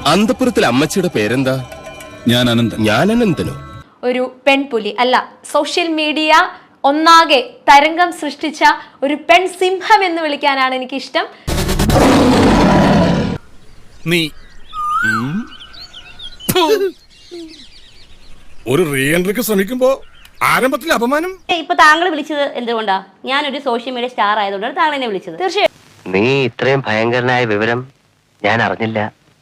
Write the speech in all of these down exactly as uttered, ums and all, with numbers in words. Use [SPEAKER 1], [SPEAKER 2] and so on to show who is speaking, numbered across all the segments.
[SPEAKER 1] അന്തപുരത്തിലെ അമ്മച്ചിയുടെ പേരെന്താ?
[SPEAKER 2] ഞാൻ അനന്തൻ.
[SPEAKER 1] ഞാൻ അനന്തനോ?
[SPEAKER 3] ഒരു പെൺപുലി അല്ല, സോഷ്യൽ മീഡിയ ഒന്നാകെ തരംഗം സൃഷ്ടിച്ച ഒരു പെൺ സിംഹം എന്ന് വിളിക്കാനാണ് എനിക്കിഷ്ടം.
[SPEAKER 2] നീ ഒരു റീ എൻട്രിക്ക് ശ്രമിക്കുമ്പോ ആരംഭത്തിലെ അപമാനം.
[SPEAKER 4] ഇപ്പൊ താങ്കൾ വിളിച്ചത് എന്തുകൊണ്ടാ? ഞാനൊരു സോഷ്യൽ മീഡിയ സ്റ്റാർ ആയതുകൊണ്ടാണ് താങ്കൾ എന്നെ വിളിച്ചത്.
[SPEAKER 3] തീർച്ചയായും
[SPEAKER 5] നീ ഇത്രയും ഭയങ്കരനായ വിവരം ഞാൻ അറിഞ്ഞില്ല.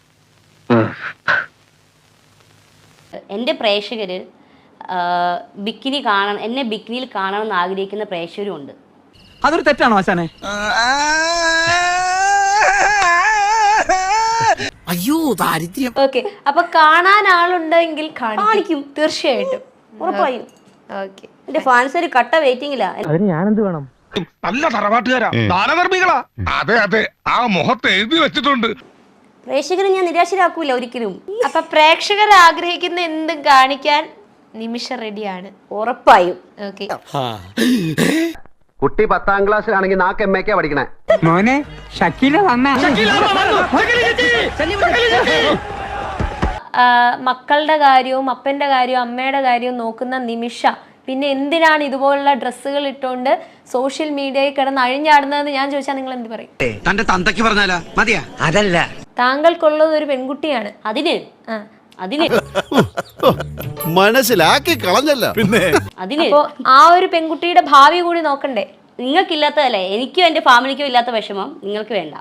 [SPEAKER 4] എന്റെ പ്രേക്ഷകര് ബിക്കിനി കാണണം, എന്നെ ബിക്കിനിയിൽ കാണണമെന്ന് ആഗ്രഹിക്കുന്ന പ്രേക്ഷകരും ഉണ്ട്.
[SPEAKER 6] അതൊരു തെറ്റാണോ ആശാനെ? അയ്യോ ദാരിദ്ര്യം.
[SPEAKER 3] ഓക്കെ, അപ്പൊ കാണാൻ ആളുണ്ടെങ്കിൽ
[SPEAKER 4] കാണിക്കും.
[SPEAKER 3] തീർച്ചയായിട്ടും,
[SPEAKER 4] ഉറപ്പായും.
[SPEAKER 3] ഓക്കെ,
[SPEAKER 4] എന്റെ ഫാൻസ് ഒരു കട്ട വെയിറ്റിംഗിലാ.
[SPEAKER 6] അതിന് ഞാനെന്ത് വേണം?
[SPEAKER 2] നല്ല തറവാട്ടുകാരാ, ദാനധർമ്മികളാ. അതെ അതെ, ആ മുഖത്ത് എഴുതി വെച്ചിട്ടുണ്ട്.
[SPEAKER 4] പ്രേക്ഷകരെ ഞാൻ നിരാശരാക്കൂല ഒരിക്കലും.
[SPEAKER 3] അപ്പൊ പ്രേക്ഷകർ ആഗ്രഹിക്കുന്ന എന്തും കാണിക്കാൻ നിമിഷ റെഡിയാണ്.
[SPEAKER 4] ഉറപ്പായും.
[SPEAKER 3] ഓക്കെ,
[SPEAKER 5] കുട്ടി പത്താം ക്ലാസ്സിലാണെങ്കിൽ നാക്ക് എം എക്കാ പഠിക്കണേ.
[SPEAKER 6] മോനെ ഷക്കീല വന്ന
[SPEAKER 3] മക്കളുടെ കാര്യവും അപ്പന്റെ കാര്യവും അമ്മയുടെ കാര്യവും നോക്കുന്ന നിമിഷ പിന്നെ എന്തിനാണ് ഇതുപോലുള്ള ഡ്രസ്സുകൾ ഇട്ടുകൊണ്ട് സോഷ്യൽ മീഡിയയിൽ കിടന്ന് അഴിഞ്ഞാടുന്നതെന്ന് ഞാൻ ചോദിച്ചാൽ നിങ്ങൾ എന്ത് പറയും?
[SPEAKER 6] തന്റെ തന്തയ്ക്ക് പറഞ്ഞാലാ മതിയാ? അതല്ല,
[SPEAKER 3] താങ്കൾക്കുള്ളത് ഒരു പെൺകുട്ടിയാണ്.
[SPEAKER 4] അതിന് അതിന്
[SPEAKER 7] മനസ്സിലാക്കി കളഞ്ഞല്ല. പിന്നെ
[SPEAKER 4] അതിന്
[SPEAKER 3] അപ്പോ ആ ഒരു പെൺകുട്ടിയുടെ ഭാവി കൂടി നോക്കണ്ടേ?
[SPEAKER 4] നിങ്ങൾക്കില്ലാത്തതല്ലേ എനിക്കും എന്റെ ഫാമിലിക്കും ഇല്ലാത്ത വിഷമം നിങ്ങൾക്ക് വേണ്ട.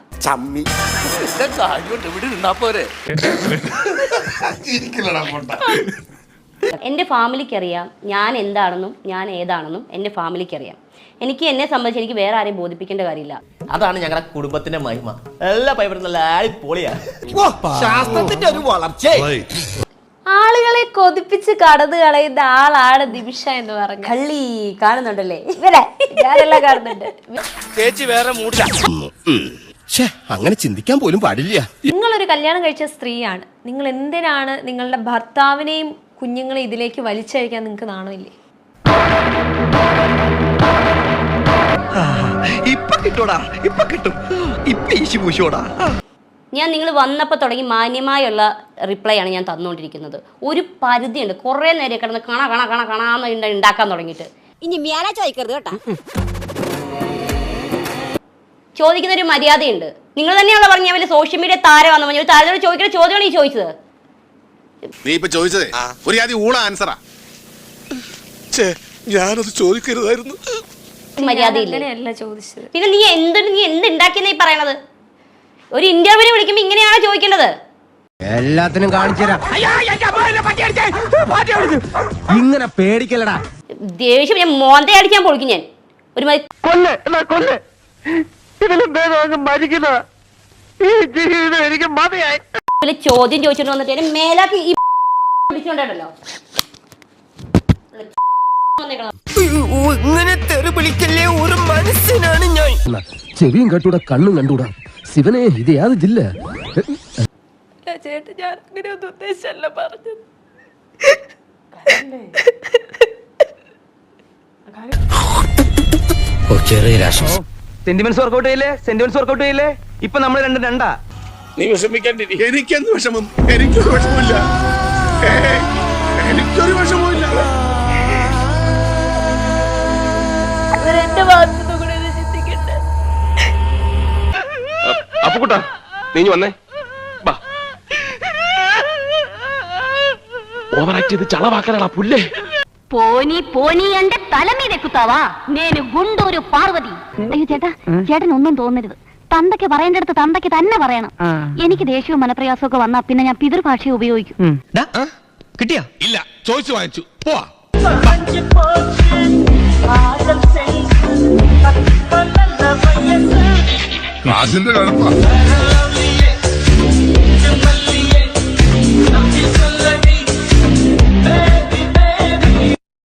[SPEAKER 4] എന്റെ ഫാമിലിക്ക് അറിയാം ഞാൻ എന്താണെന്നും ഞാൻ ഏതാണെന്നും എന്റെ ഫാമിലിക്ക് അറിയാം. എനിക്ക് എന്നെ സംബന്ധിച്ച് എനിക്ക് വേറെ ആരെയും ബോധിപ്പിക്കേണ്ട കാര്യമില്ല.
[SPEAKER 8] അതാണ് ഞങ്ങളുടെ കുടുംബത്തിന്റെ മഹിമ. എല്ലാ പൈപ്പറും നല്ല അടിപൊളിയാ.
[SPEAKER 7] ശാസ്ത്രത്തിന്റെ ഒരു വളർച്ച.
[SPEAKER 3] ആളുകളെ കൊതിപ്പിച്ച് കടന്നു കളയുന്ന ആളാണ് നിമിഷ എന്ന് പറഞ്ഞു.
[SPEAKER 4] കള്ളി കാണുന്നുണ്ടല്ലേ?
[SPEAKER 3] ഇവരെ ഞാനെല്ലാം കാണുന്നുണ്ട്.
[SPEAKER 8] ചേച്ചി വേറെ മൂടില്ല.
[SPEAKER 1] അങ്ങനെ ചിന്തിക്കാൻ പോലും പാടില്ല.
[SPEAKER 3] നിങ്ങളൊരു കല്യാണം കഴിച്ച സ്ത്രീയാണ്. നിങ്ങൾ എന്തിനാണ് നിങ്ങളുടെ ഭർത്താവിനെയും കുഞ്ഞുങ്ങളെ ഇതിലേക്ക് വലിച്ചഴിക്കാൻ നിങ്ങൾക്ക് നാണമില്ലേ?
[SPEAKER 6] ഇപ്പൊ കിട്ടൂടാ, ഇപ്പൊ കിട്ടും, ഇപ്പൊ ഈശി പൂശോടാ.
[SPEAKER 4] ഞാൻ നിങ്ങൾ വന്നപ്പോൾ തുടങ്ങി മാന്യമായുള്ള റിപ്ലൈ ആണ് ഞാൻ തന്നുകൊണ്ടിരിക്കുന്നത്. ഒരു പരിധിയുണ്ട്. കുറേ നേരം കിടന്ന് കണ കണ കണ കണാന്ന് ഉണ്ടാക്കാൻ തുടങ്ങിയിട്ട് ഇനി മേലെ ചോദിക്കരുത് കേട്ടാ. ചോദിക്കുന്ന ഒരു മര്യാദയുണ്ട്. നിങ്ങൾ തന്നെയാണല്ലോ പറഞ്ഞ വലിയ സോഷ്യൽ മീഡിയ താരമാണെന്ന് പറഞ്ഞു. താരത്തോട് ചോദിക്കുന്ന ചോദ്യമാണ് ഈ ചോദിച്ചത്.
[SPEAKER 7] നീ ഇപ്പൊ ചോദിച്ചതേ ഒരു ആദ്യം ഊള ആൻസറാ. ഞാനത് ചോദിക്കരുതായിരുന്നു.
[SPEAKER 3] അങ്ങനെയല്ല ചോദിച്ചത്.
[SPEAKER 4] പിന്നെ നീ എന്ത് നീ എന്ത് ഉണ്ടാക്കിയെന്നാ ഈ പറയണത്? ഒരു ഇന്റർവ്യൂവിന് വിളിക്കുമ്പോ ഇങ്ങനെയാണോ ചോദിക്കേണ്ടത്?
[SPEAKER 5] എല്ലാത്തിനും കാണിച്ചുതരാം. ഇങ്ങനെ പേടിക്കലടാ.
[SPEAKER 4] ദേഷ്യം ഞാൻ മോന്തെ അടിക്കാൻ പൊളിക്കും ഞാൻ. ഒരു ചോദ്യം ചോദിച്ചോണ്ട് വന്നിട്ട് മേലാക്കി ഈ പിടിച്ചോണ്ടല്ലോ.
[SPEAKER 5] ഒരു മനസ്സിനാണ് ഞാൻ. ചെവിയും കണ്ടൂടാ, കണ്ണും കണ്ടൂടാ. ശിവനെ ഇത് യാത് ജില്ല.
[SPEAKER 3] ചേട്ടൻ ഞാൻ അങ്ങനെ ഒന്നും ഉദ്ദേശിച്ചല്ല പറഞ്ഞത്.
[SPEAKER 6] സെന്റിമെന്റ്സ് വർക്കൗട്ട് ചെയ്യില്ലേ? സെന്റിമെന്റ്സ് വർക്കൗട്ട് ചെയ്യില്ലേ? ഇപ്പൊ നമ്മൾ രണ്ട് രണ്ടാ.
[SPEAKER 2] നീ വിഷമിക്കാണ്ടിരി.
[SPEAKER 7] എനിക്കെന്ത് വിഷമം? എനിക്കൊരു വിഷമില്ല. എനിക്കൊരു വിഷമമില്ല.
[SPEAKER 3] എന്റെ ഭാഗത്തുനിന്ന് കൂടെ ചിന്തിക്കട്ടെ.
[SPEAKER 1] അപ്പൊ കൂട്ടാ നീ വന്നേ. ഓവറാക്ട് ചെയ്ത് ചളവാക്കാനാ പുല്ലേ.
[SPEAKER 9] പോനി പോനി എന്റെ തലമീതെ കുത്താവാ നേന് ഗുണ്ടൊരു പാർവതി. അയ്യോ ചേട്ടാ, ചേട്ടൻ ഒന്നും തോന്നരുത്. തന്തയ്ക്ക് പറയേണ്ടടുത്ത് തന്തയ്ക്ക് തന്നെ പറയണം. എനിക്ക് ദേഷ്യവും മനപ്രയാസവും ഒക്കെ വന്നാ പിന്നെ ഞാൻ പിതൃഭാഷ ഉപയോഗിക്കും.
[SPEAKER 6] കിട്ടിയാ?
[SPEAKER 7] ഇല്ല, ചോദിച്ചു വാങ്ങിച്ചു. പോവാ. കാശിന്റെ കഴപ്പാ.